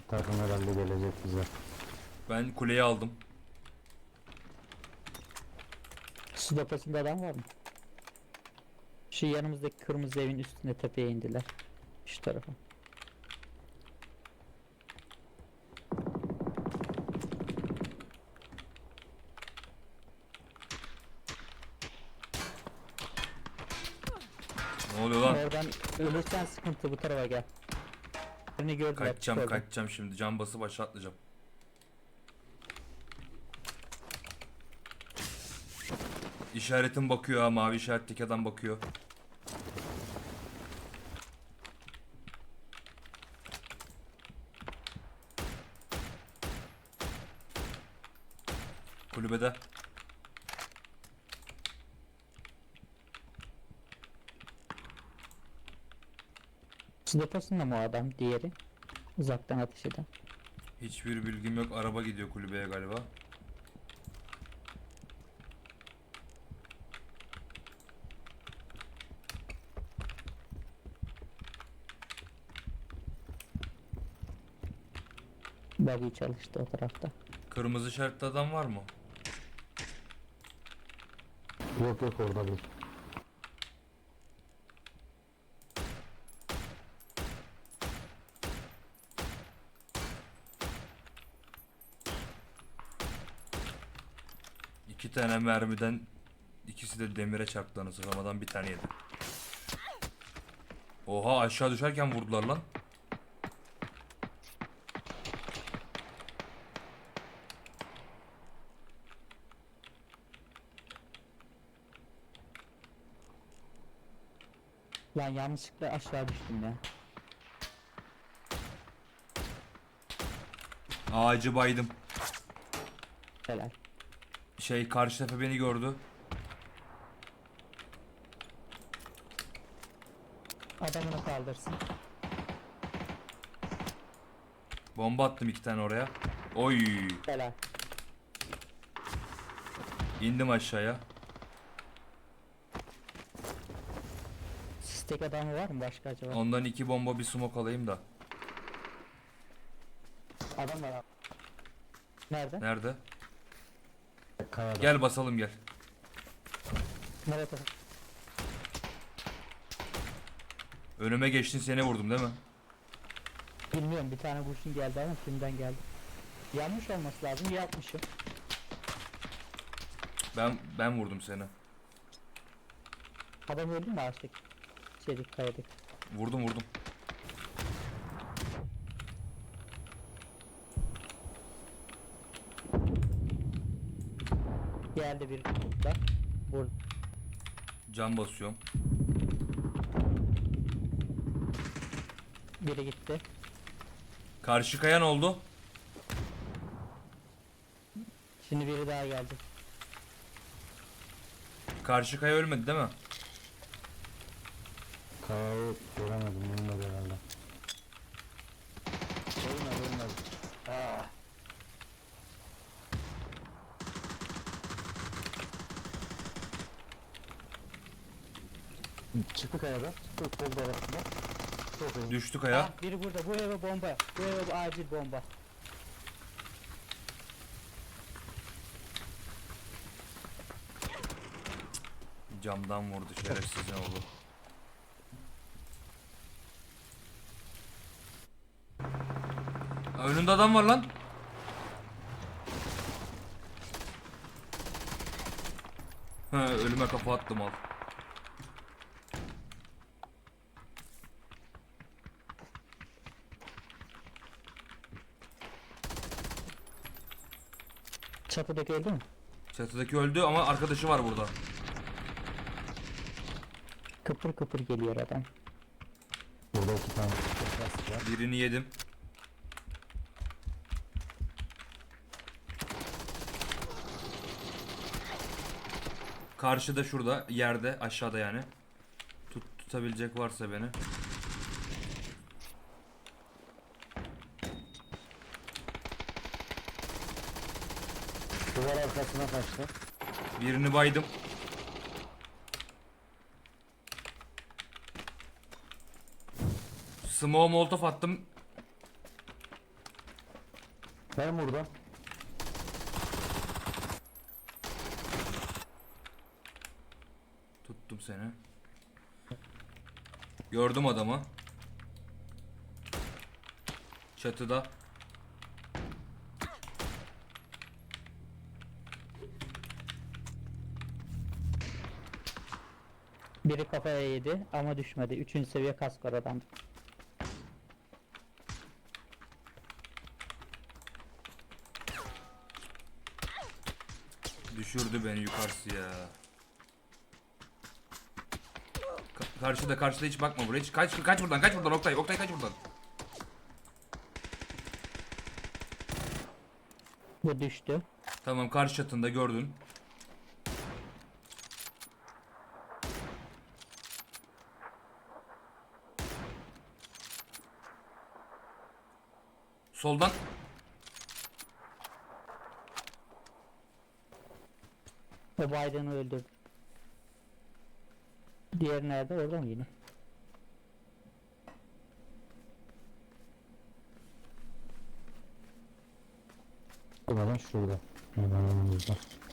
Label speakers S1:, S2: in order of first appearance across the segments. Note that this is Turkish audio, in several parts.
S1: Takım herhalde gelecek bize.
S2: Ben kuleyi aldım.
S3: Su deposunda adam var mı? Şu yanımızdaki kırmızı evin üstüne tepeye indiler. Şu tarafa.
S2: Ne oluyor lan?
S3: Oradan ölürsen sıkıntı, bu tarafa gel. Beni gördüler.
S2: Kaçacağım
S3: oradan.
S2: kaçacağım şimdi. Can basıp aşağı atlayacağım. İşaretim bakıyor ha. Mavi işaretteki adam bakıyor. Kulübede.
S3: Su deposunda mı o adam? Diğeri. Uzaktan ateş eden.
S2: Hiçbir bilgim yok. Araba gidiyor kulübeye galiba.
S3: Buggy çalıştı o tarafta.
S2: Kırmızı işaretli adam var mı?
S1: Yok yok orada değil.
S2: İki tane mermiden ikisi de demire çarptı anasını satayım. Bir tane yedi. Oha, aşağı düşerken vurdular lan.
S3: Lan yanlışlıkla aşağı düştüm ya.
S2: Ağacı baydım.
S3: Helal.
S2: Karşı tepe beni gördü.
S3: Adamını kaldırsın.
S2: Bomba attım iki tane oraya. Oy.
S3: Helal.
S2: İndim aşağıya.
S3: Sistek adamı var mı başka acaba?
S2: Ondan iki bomba bir smoke alayım da.
S3: Adam var abi. Nerede?
S2: Nerede?
S1: Kayada.
S2: Gel basalım gel.
S3: Nerede?
S2: Önüme geçtin, seni vurdum değil mi?
S3: Bilmiyorum, bir tane kurşun geldi ama kimden geldi? Yanmış olması lazım, yapmışım.
S2: Ben vurdum seni.
S3: Adam öldü mü ağaçtaki? Kayadaki.
S2: Vurdum.
S3: Geldi bir burada. Vurdu.
S2: Can basıyorum.
S3: Biri gitti.
S2: Karşı kaya ne oldu?
S3: Şimdi biri daha geldi.
S2: Karşı kaya ölmedi değil mi?
S1: Kayayı göremedim, bilmedi herhalde. Ölmedi. Çıktı kayadan. Çıktı kolda arasında. Çok iyi.
S2: Düştü kaya.
S3: Ah, biri burada. Bu eve bomba. Bu eve acil bomba.
S2: Camdan vurdu şerefsiz, ne oldu? Önünde adam var lan. Ölüme kafa attım al.
S3: Çatıdaki öldü mü?
S2: Çatıdaki öldü ama arkadaşı var burada.
S3: Kıpır kıpır geliyor adam.
S1: Burada iki tane plastik var.
S2: Birini yedim. Karşıda, şurada yerde, aşağıda yani. Tutabilecek varsa beni.
S1: Duvar arkasına kaçtı.
S2: Birini baydım. Smoke molotof attım.
S1: Ben burada.
S2: Tuttum seni. Gördüm adamı. Çatıda.
S3: Biri kafaya yedi ama düşmedi. 3. seviye kask var adam.
S2: Düşürdü beni yukarısı ya. Karşıda hiç bakma buraya. Hiç kaç buradan Oktay kaç buradan.
S3: Bu düştü.
S2: Tamam, karşı çatında gördün. Soldan.
S3: O Biden'ı öldürdü. Diğer nerede? Orada mı yine?
S1: Hemen şurada. Hemen önümüzde.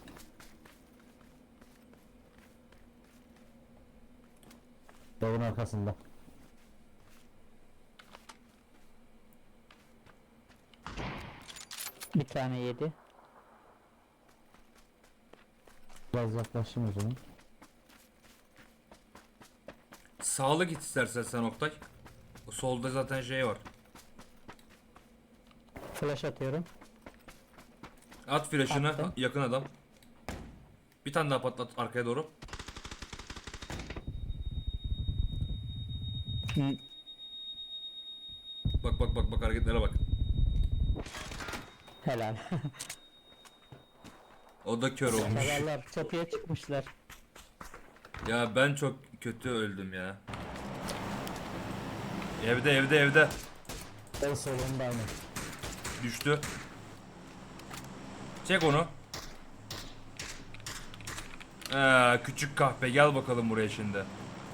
S1: Dağın arkasında.
S3: Bir tane yedi.
S1: Biraz yaklaşayım o zaman.
S2: Sağlı git istersen sen Oktay. O solda zaten şey var.
S3: Flash atıyorum.
S2: At flash'ını,
S3: Attım.
S2: yakın adam. Bir tane daha patlat arkaya doğru.
S3: Hı.
S2: Bak hareketlere bak.
S3: Helal.
S2: O da kör olmuş.
S3: Helallar çatıya çıkmışlar.
S2: Ya ben çok kötü öldüm ya. Evde.
S1: En solunda aynı.
S2: Düştü. Çek onu. Küçük kahpe gel bakalım buraya şimdi.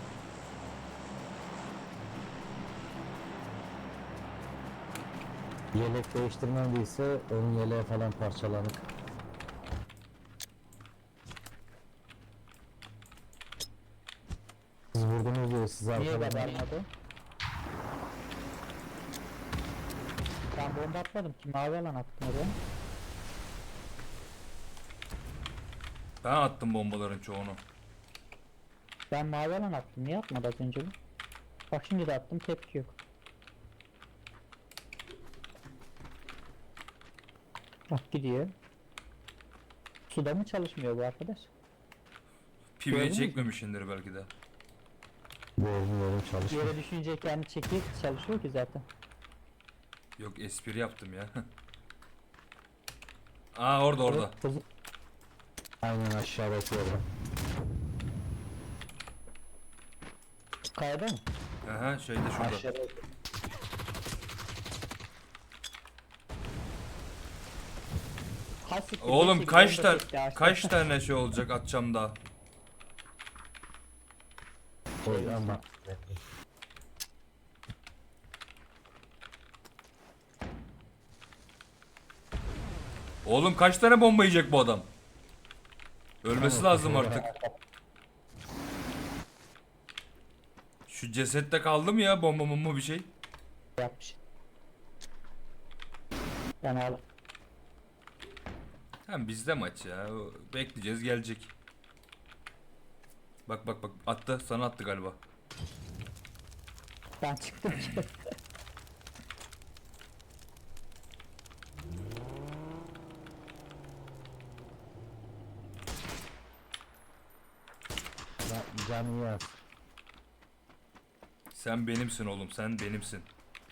S1: Yelek değiştirmediyse onun yeleği falan parçalanık. Siz vurdunuz diyor siz
S3: Niye
S1: arkadan.
S3: badarmadı? Ben bomba atmadım ki, mavi alan attım oraya.
S2: Ben attım bombaların çoğunu.
S3: Ben mavi alan attım, niye atmadı az önce bu? Bak şimdi de attım, tepki yok. Bak gidiyor. Suda mı çalışmıyor bu arkadaş?
S2: Pivini
S3: Gördünüz mü?
S2: çekmemişindir belki de.
S1: Boğulmuyorum çalışmıyor.
S3: Yere düşünce kendi çekip çalışıyor ki zaten.
S2: Yok, espri yaptım ya. Aa, orada.
S3: Evet,
S1: Aynen aşağıdaki orada.
S3: kayada mı?
S2: Aha, şeyde şurada.
S1: Aşağıda.
S3: Ha, siktir,
S2: Oğlum
S3: neyse,
S2: kaç
S3: bomba
S2: tane
S3: çekti ağaçta.
S2: kaç tane şey olacak atacağım daha.
S1: Oy ama.
S2: Oğlum kaç tane bomba yiyecek bu adam? Ölmesi
S1: Tamam,
S2: lazım artık. Şu cesette kaldı mı ya bomba bir şey?
S3: Yapmış. Ben al.
S2: Hem bizde maç ya. Bekleyeceğiz, gelecek. Bak attı, sana attı galiba.
S3: Ben çıktım.
S1: Canı yaz.
S2: Sen benimsin oğlum, sen benimsin.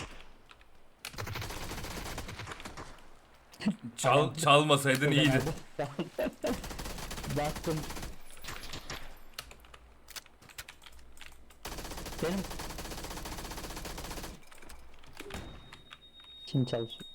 S2: Çalmasaydın iyiydi.
S3: Baktım. Benim kim çalışıyor?